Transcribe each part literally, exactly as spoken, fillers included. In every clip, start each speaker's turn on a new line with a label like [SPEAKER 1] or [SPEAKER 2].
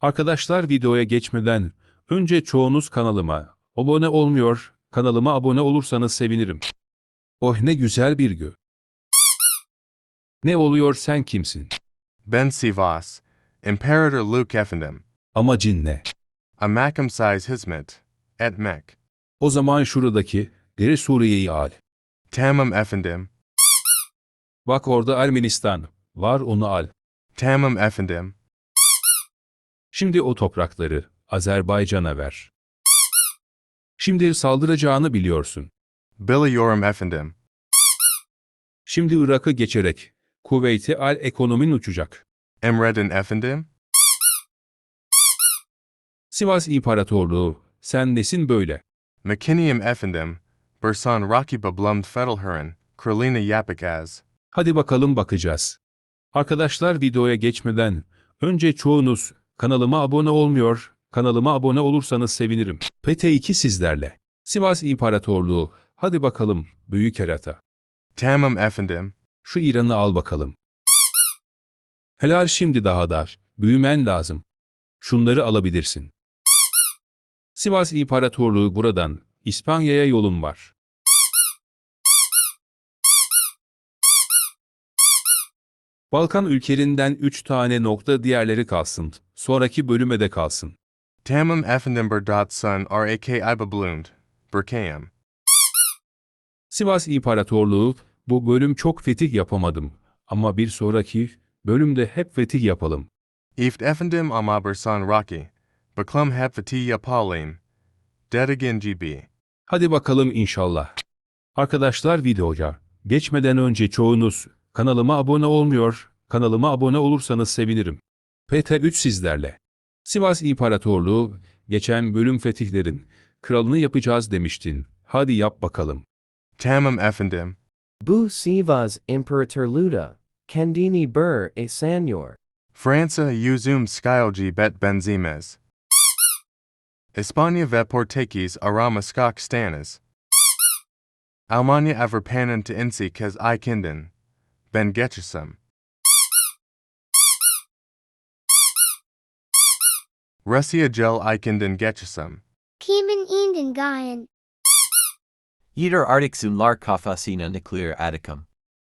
[SPEAKER 1] Arkadaşlar videoya geçmeden önce çoğunuz kanalıma abone olmuyor, kanalıma abone olursanız sevinirim. Oh ne güzel bir gün. Ne oluyor sen kimsin?
[SPEAKER 2] Ben Sivas, Imperator Luke Efendim,
[SPEAKER 1] Amacın ne?
[SPEAKER 2] Amakum size hizmet, etmek,
[SPEAKER 1] O zaman şuradaki deri Suriye'yi al.
[SPEAKER 2] Tamam Efendim,
[SPEAKER 1] Bak orada Ermenistan var onu al.
[SPEAKER 2] Tamam Efendim,
[SPEAKER 1] Şimdi o toprakları Azerbaycan'a ver. Şimdi saldıracağını biliyorsun.
[SPEAKER 2] Biliyorum Efendim,
[SPEAKER 1] Şimdi Irak'ı geçerek Kuveyt'i al ekonomin uçacak.
[SPEAKER 2] Emredin Efendim,
[SPEAKER 1] Sivas İmparatorluğu sen nesin böyle?
[SPEAKER 2] Makinium Efendim, Bursan Rakiba Blumd Fedelhuren, Kralina Yapik Az,
[SPEAKER 1] Hadi bakalım bakacağız. Arkadaşlar videoya geçmeden önce çoğunuz kanalıma abone olmuyor, kanalıma abone olursanız sevinirim. P T iki sizlerle. Sivas İmparatorluğu, hadi bakalım büyük kerata.
[SPEAKER 2] Tamam Efendim,
[SPEAKER 1] Şu İran'ı al bakalım. Helal şimdi daha dar, büyümen lazım. Şunları alabilirsin. Sivas İmparatorluğu buradan, İspanya'ya yolun var. Balkan ülkelerinden üç tane nokta diğerleri kalsın, sonraki bölüme de kalsın.
[SPEAKER 2] Tamam Efendim Berdat Sun Rak Iba Blund, Burkayam,
[SPEAKER 1] Sivas İmparatorluğu, bu bölüm çok fetih yapamadım. Ama bir sonraki bölümde hep fetih yapalım.
[SPEAKER 2] Ift Efendim Ama Bursan Raki, Baklum Hep Fatih Palim, Dedigan G B.
[SPEAKER 1] Hadi bakalım inşallah. Arkadaşlar videoya geçmeden önce çoğunuz kanalıma abone olmuyor, kanalıma abone olursanız sevinirim. P T üç sizlerle. Sivas İmparatorluğu, geçen bölüm fetihlerin kralını yapacağız demiştin. Hadi yap bakalım.
[SPEAKER 2] Tamam Efendim,
[SPEAKER 3] Bu Sivas Imperatorluğu, kendini bur e sanyor.
[SPEAKER 2] Fransa Yüzüm Skylgi Bet Benzemez. Espanya ve Portekiz Arama Skak Stanis. Almanya Avrpanen to Insi Kez Ikindin. Ben Geçesem. Russia Gel Ikindin Geçesem.
[SPEAKER 4] Kimin Indin Gayan.
[SPEAKER 5] Yeder Artiksunlar kafasina nukleer aticum.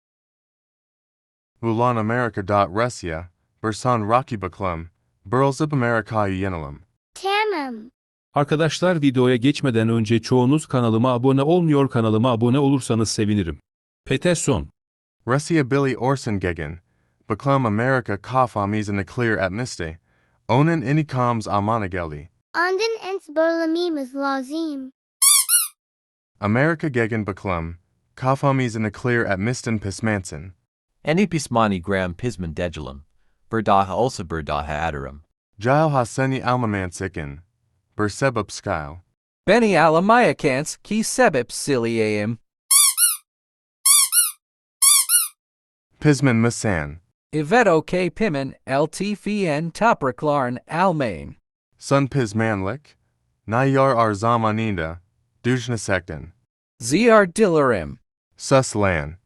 [SPEAKER 2] Ulan America. Dot Russia, Bursan Rocky Baklum, Burlzip Amerika'yı Yenelim.
[SPEAKER 4] Tamam.
[SPEAKER 1] Arkadaşlar videoya geçmeden önce çoğunuz kanalıma abone olmuyor, kanalıma abone olursanız sevinirim. P T son.
[SPEAKER 2] Russia Billy Orson Gegen, Baklum America Kafamiz Nuclear Atmiste, Onen Inikoms Amanageli.
[SPEAKER 4] Andin ens Berlamimus Lazim.
[SPEAKER 2] America Gegen Baklum, Kafamiz Nuclear Atmisten Pismansen.
[SPEAKER 5] Any pismani gram pisman degilum. Berdaha also berdaha adarum.
[SPEAKER 2] Jail Haseni Almamansikin, Bersebub Skyle.
[SPEAKER 6] Beni alamayakans ki sebep siliaim.
[SPEAKER 2] Pisman Masan,
[SPEAKER 6] Iveto k pimen ltfn topraklarn almain.
[SPEAKER 2] Sun Pismanlik, Nayar Arzamaninda, Dujnasekten,
[SPEAKER 6] Zr dilarim.
[SPEAKER 2] Suslan.